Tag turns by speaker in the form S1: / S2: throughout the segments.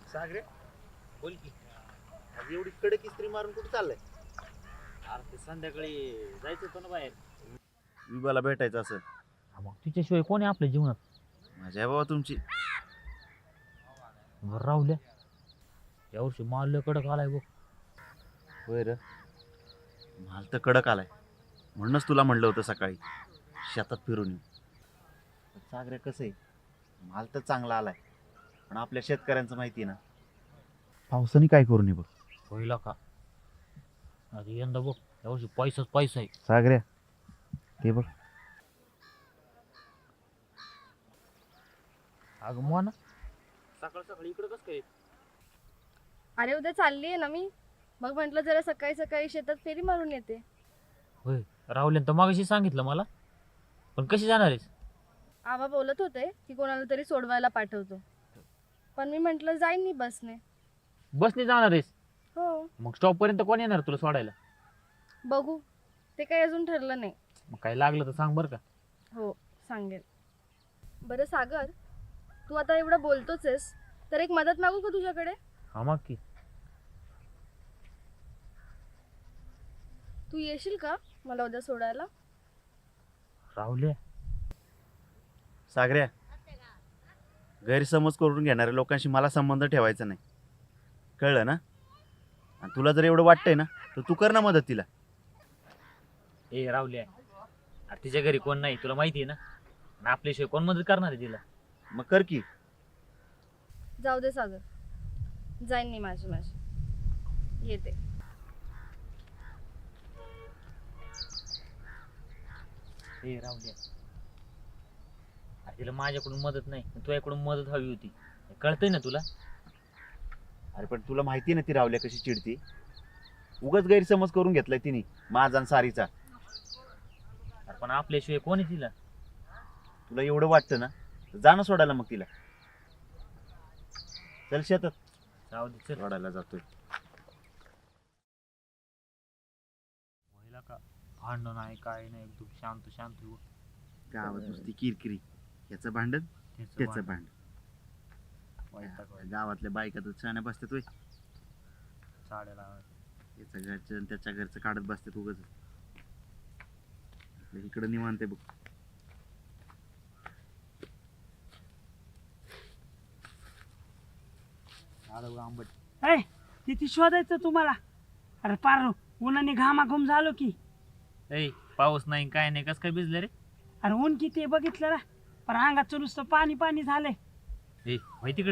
S1: सागरे बोल की. आज एवढी कडक इस्त्री मारून कुठे चाललाय?
S2: अरे ते संध्याकाळी जायचं होतं ना बाहेर.
S1: विभाला भेटायचं असं.
S2: मग तिच्याशिवाय कोण आहे आपल्या जीवनात?
S1: माझ्या बाबा तुमची.
S2: बरं राहुल्या, यावर्षी माल लय कडक आलाय बघ.
S1: होय र, माल तर कडक आलाय. म्हणूनच तुला म्हणलं होतं सकाळी शेतात फिरून येऊ. सागरे कसं आहे, माल तर चांगला आलाय, पण आपल्या शेतकऱ्यांचं माहिती आहे ना, पावसाने काय करू नये बघ.
S2: होईल का अरे यंदा बघ, यावर्षी पैसाच पैसा आहे.
S1: सागऱ्या ते बघ.
S2: अगं मोना, सकाळ सकाळी इकडं कसं काय?
S3: अरे उद्या चालली आहे ना मी. मग म्हटलं जरा सकाळी सकाळी शेतात फेरी मारून येते.
S2: होय, राहुल्यानं तर मागाशी सांगितलं मला, पण कशी जाणार आहेस?
S3: आबा बोलत होते की कोणाला तरी सोडवायला पाठवतो, पण मी म्हटलं जाईन मी बसने.
S2: बसने जाणार आहेस?
S3: हो,
S2: मग स्टॉप पर्यंत कोण येणार तुला सोडायला?
S3: बघू, ते काही अजून ठरलं नाही.
S2: मग काय लागलं तर सांग बरं का.
S3: हो, सांगेल. बरं सागर, तू आता एवढं बोलतोच आहेस, तर एक मदत मागू का तुझ्याकडे?
S2: हा मग की.
S3: तू येशील का मला उद्या सोडायला?
S2: राहुल्या,
S1: सागऱ्या, गैरसमज करून घेणाऱ्या लोकांशी मला संबंध ठेवायचा नाही, कळलं ना? आणि तुला जर एवढं वाटतंय ना, तर तू कर ना मदत तिला.
S2: ए राहुल्या, अरे तिच्या घरी कोण नाही तुला माहिती आहे ना, आणि आपल्याशिवाय कोण मदत करणार आहे तिला?
S1: मग कर की.
S3: जाऊ दे सागर, जाईन मी माझी येते.
S2: ए राहुल्या, अरे तिला माझ्याकडून मदत नाही, पण तुझ्याकडून मदत हवी होती. हे कळतंय ना तुला?
S1: अरे पण तुला माहिती ना ती रावल्या कशी चिडती. उगाच गैरसमज करून घेतलाय तिने माझा आणि सारीचा.
S2: अरे पण आपल्याशिवाय कोण आहे तिला?
S1: तुला एवढं वाटतं ना, तर जा ना सोडायला मग तिला. चल शेतात.
S2: राहू दे, चल.
S1: सोडायला जातोय.
S2: व्हायला का भांडण नाही, काय नाही, एकदम शांत शांत हो.
S1: गावात नुसती किरकिरी, याचं भांडण त्याचं भांडण. गावातल्या बायका तर छान बसतात होय.
S2: साड्याला
S1: याचं घरचं आणि त्याच्या घरचं काढत बसतात उगाच. इकडं निवांत आहे बघ.
S2: आंबट.
S4: किती शोधायचं तुम्हाला? अरे पार उन्हाने घामाघूम झालो की.
S2: ए पाऊस नाही काय नाही, कस काय भिजलं रे?
S4: अरे ऊन किती आहे बघितलं ना, पर अंगाचं नुसतं पाणी पाणी झालंय.
S2: ए होय तिकडे.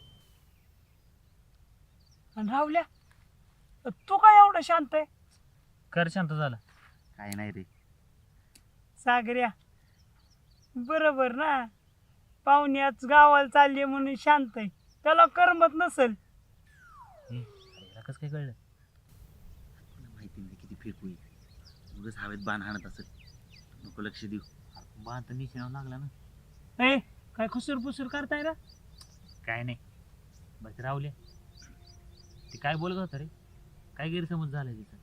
S4: आणि राहुल्या, तू काय एवढं शांत आहे?
S2: कर शांत झाला.
S1: काय नाही रे.
S4: सागऱ्या, बरोबर ना, पाहुण्याच गावाला चालली म्हणून शांत आहे, त्याला करमत नसेल.
S2: कस काय कळलं?
S1: माहिती नाही किती फेकू आहे. उगाच हवेत बाण हाणत असेल. नको लक्ष देऊ.
S2: बाण तर निशाणावर लागला ना.
S4: ए काय खुसूर पुसूर करताय ना?
S2: काय नाही. बस राहुले, ती काय बोलत होता रे? काय गैरसमज झालाय तिचा?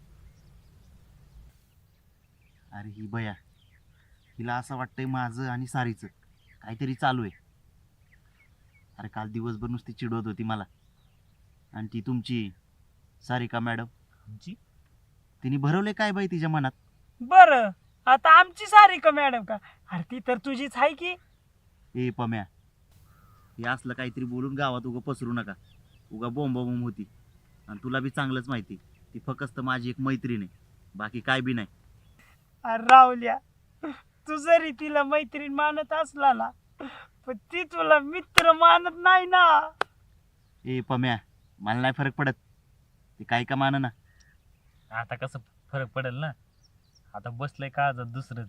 S1: अरे ही बया, हिला असं वाटतंय माझं आणि सारीचं काहीतरी चालू आहे. अरे काल दिवसभर नुसती चिडवत होती मला. आणि ती तुमची सारिका मॅडम,
S2: आमची?
S1: तिने भरवले काय बाई तिच्या मनात.
S4: बरं, आता आमची सारिका मॅडम का? अरे ती तर तुझीच आहे की.
S1: ए पम्या, हे असलं काहीतरी बोलून गावात उगा पसरू नका. उगा बोंबाबोंब होती. आणि तुला बी चांगलंच माहिती, ती फक्त माझी एक मैत्रीण आहे, बाकी काय बी नाही.
S4: अरे राहुल्या, तू जरी तिला मैत्रीण मानत असला ना, पण ती तुला मित्र मानत नाही ना.
S1: ए पम्या, मला नाही फरक पडत, ते काय का मान ना.
S2: आता कसं फरक पडेल ना, आता बसलंय काळजात दुसरंच.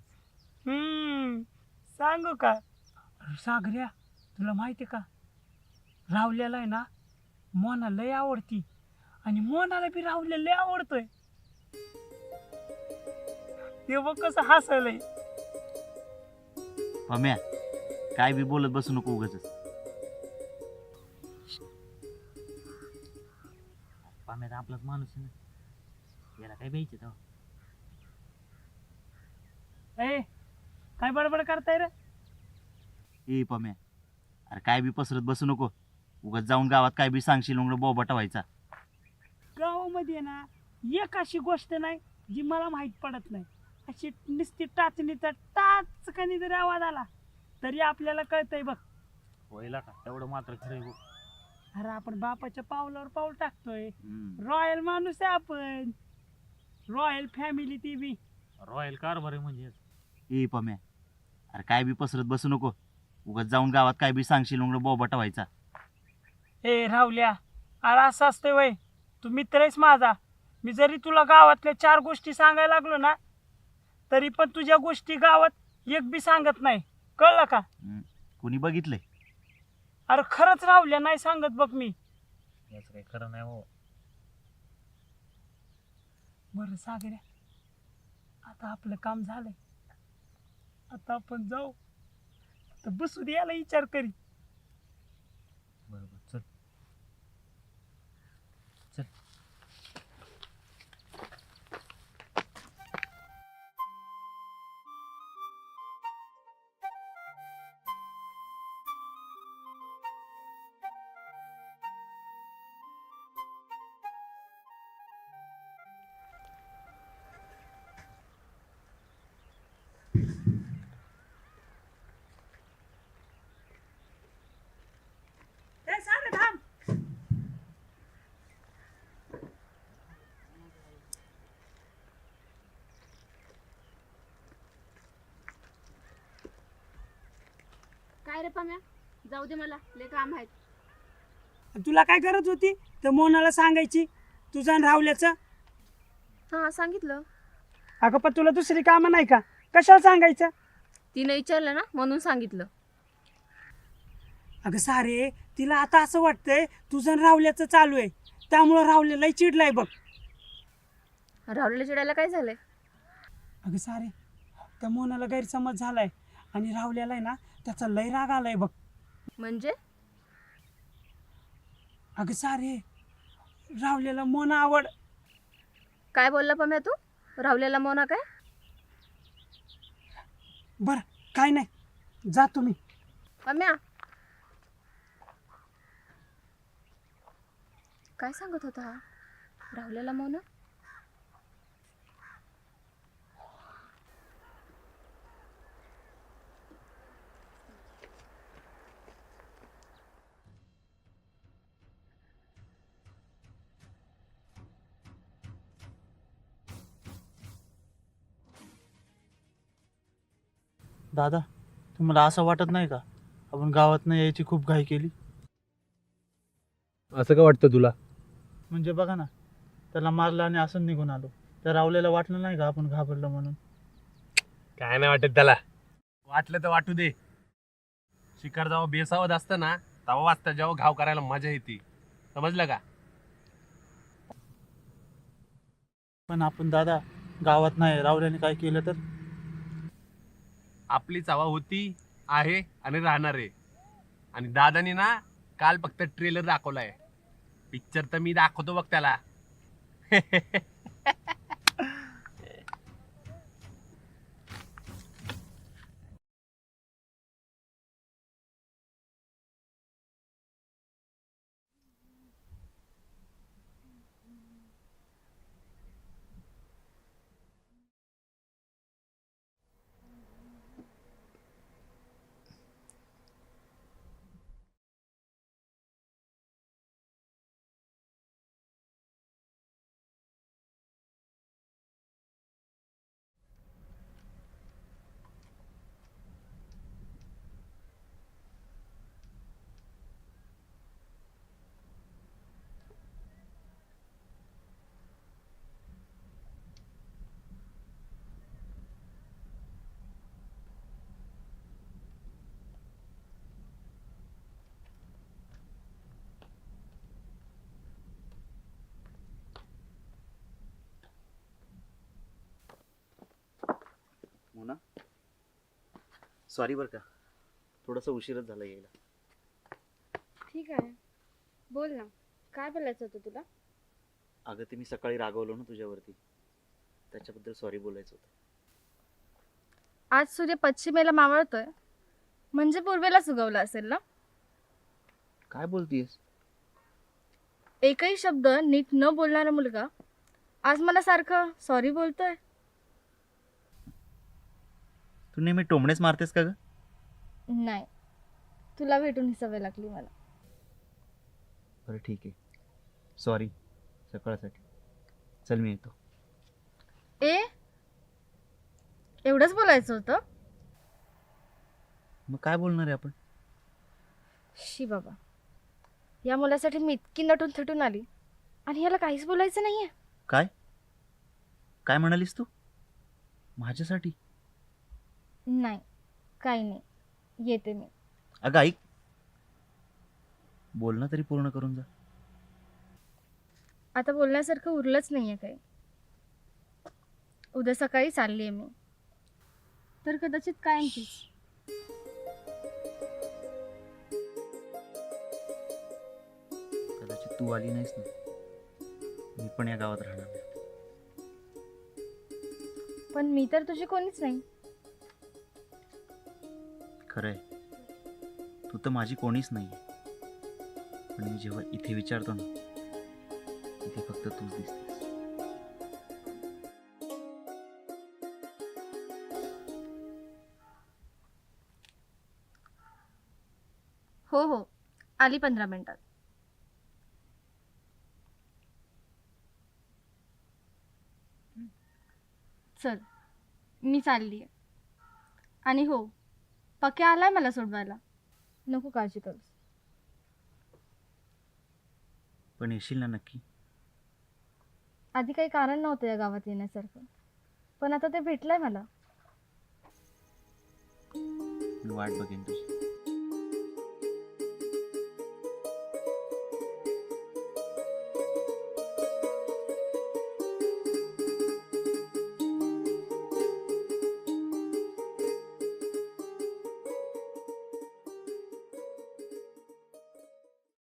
S4: सांगू का? अरे सागऱ्या, तुला माहिती का, राहुल्याला आहे ना मोना लय आवडती, आणि मोनाला बी राहुल्या लय आवडतोय. ते बघ कसं हसलंय.
S1: पम्या, काय बी बोलत बसू नको उगाच.
S2: पाम्यात आपलाच माणूस आहे ना, याला काय द्यायचं तेव्हा?
S4: ए काय बडबड करताय रे?
S1: ए पम्या, अरे काय बी पसरत बसू नको. उगाच जाऊन गावात काय बी सांगशील उघड बोबाटा व्हायचा.
S4: गावामध्ये ना एक अशी गोष्ट नाही जी मला माहीत पडत नाही. अशी नुसती टाचणीचा टाचकनी जरी आवाज आला तरी आपल्याला कळतंय बघ.
S2: व्हायला का एवढं मात्र खरं आहे बघ.
S4: अरे आपण बापाच्या पावलावर पाऊल टाकतोय.
S1: हम्म.
S4: रॉयल माणूस आहे आपण. रॉयल फॅमिली ती बी.
S2: रॉयल कारभार आहे म्हणजे.
S1: ए पम्या, अरे काय बी पसरत बसू नको. उगाच जाऊन गावात काय बी सांगशील उघड बोबाटा व्हायचा.
S4: ए राहुल्या, अरे असं असतंय वय. तू मित्र आहेस माझा. मी जरी तुला गावातल्या 4 गोष्टी सांगायला लागलो ना तरी पण तुझ्या गोष्टी गावात एक बी सांगत नाही. कळलं का?
S1: कुणी बघितलंय?
S4: अरे खरंच राहुल्या, नाही सांगत बघ मी.
S2: याचं काही खरं नाही हो.
S4: बरं सागऱ्या, आता आपलं काम झालंय. आता आपण जाऊ. तर बसू दे, याला विचार करी.
S2: बरोबर चल. चल.
S4: ए सागऱ्या थांब.
S3: काय रे पम्या, जाऊ दे, मला लय काम आहेत.
S4: तुला काय गरज होती तर मोनाला सांगायची तुझं आणि राहुल्याचं?
S3: हां सांगितलं.
S4: अगं पण तुला दुसरी कामं नाही का? कशाला सांगायचं?
S3: तिने विचारलं ना म्हणून सांगितलं.
S4: अगं सारे, तिला आता असं वाटतंय तुझं आणि राहुल्याचं चालू आहे, त्यामुळं राहुल्यालाही चिडलाय बघ.
S3: राहुलला चिडायला काय झालंय?
S4: अगं सारे, त्या मोनाला गैरसमज झालाय आणि राहुल्याला आहे ना त्याचा लय राग आलाय बघ.
S3: म्हणजे?
S4: अगं सारे, राहुल्याला मोना आवड.
S3: काय बोलला पम्या तू? राहुल्याला मोना काय?
S4: बरं काय नाही, जा तुम्ही.
S3: पम्या, काय सांगत होता हा? राहुल्याला मोना?
S5: दादा, तुम्हाला असं वाटत नाही का आपण गावात नाही यायची खूप घाई केली?
S6: असं का वाटतं तुला?
S5: म्हणजे बघा ना, त्याला मारलं आणि असं निघून आलो. त्या रावलेला वाटलं नाही का आपण घाबरलो म्हणून?
S6: काय नाही वाटत त्याला. वाटलं तर वाटू दे. शिकार जेव्हा बेसावत असतं ना तेव्हा वाचतं, जेव्हा घाव करायला मजा येते. समजलं का?
S5: पण आपण दादा गावात नाही, रावल्याने काय केलं तर?
S6: आपली चावा होती, आहे आणि राहणार आहे. आणि दादानी ना काल फक्त ट्रेलर दाखवलाय. पिक्चर तर मी दाखवतो बघ त्याला.
S1: मोना, सॉरी बरं का, थोडंसं उशीरच झाला यायला.
S3: ठीक आहे, बोल ना, काय बोलायचं होतं तुला?
S1: अगं ते मी सकाळी रागवलो ना तुझ्यावरती, त्याच्याबद्दल सॉरी बोलायचं होतं.
S3: आज सूर्य पश्चिमेला मावळतोय म्हणजे पूर्वेला उगवला असेल ना?
S1: काय बोलतीयस?
S3: एकही शब्द नीट न बोलणारा मुलगा आज मला सारखं सॉरी बोलतोय.
S1: तू नेहमी टोमणेच मारतेस का ग?
S3: नाही, तुला भेटून ही सवय लागली मला.
S1: बरं ठीक आहे, सॉरी सकाळसाठी. चल मी येतो.
S3: ए, एवढंच बोलायचं होतं?
S1: मग काय बोलणार आहे आपण?
S3: शी बाबा, या मुलासाठी मी इतकी नटून थटून आली आणि याला काहीच बोलायचं नाहीये.
S1: काय काय म्हणालीस तू? माझ्यासाठी?
S3: नाही, काही नाही, येते मी.
S1: अगं ऐक, बोलणं तरी पूर्ण करून जा.
S3: आता बोलण्यासारखं उरलंच नाहीये काही. उद्या सकाळी चालली आहे मी, तर कदाचित कायमचीच.
S1: कदाचित तू आली नाहीस ना, मी पण या गावात राहणार नाही.
S3: पण मी तर तुझी कोणीच नाही.
S1: खरंय, तू तर माझी कोणीच नाही. पण मी जेव्हा इथे विचारतो ना, इथे फक्त तूच दिसतेस.
S3: हो हो, आली 15 मिनिटात. चल, मी चालली आहे. आणि हो, पक्या आलाय मला सोडवायला. नको काळजी करूस.
S1: पण येशील ना नक्की?
S3: आधी काही कारण नव्हतं या गावात येण्यासारखं, पण आता ते भेटलंय मला.
S1: मी वाट बघेन तुझी.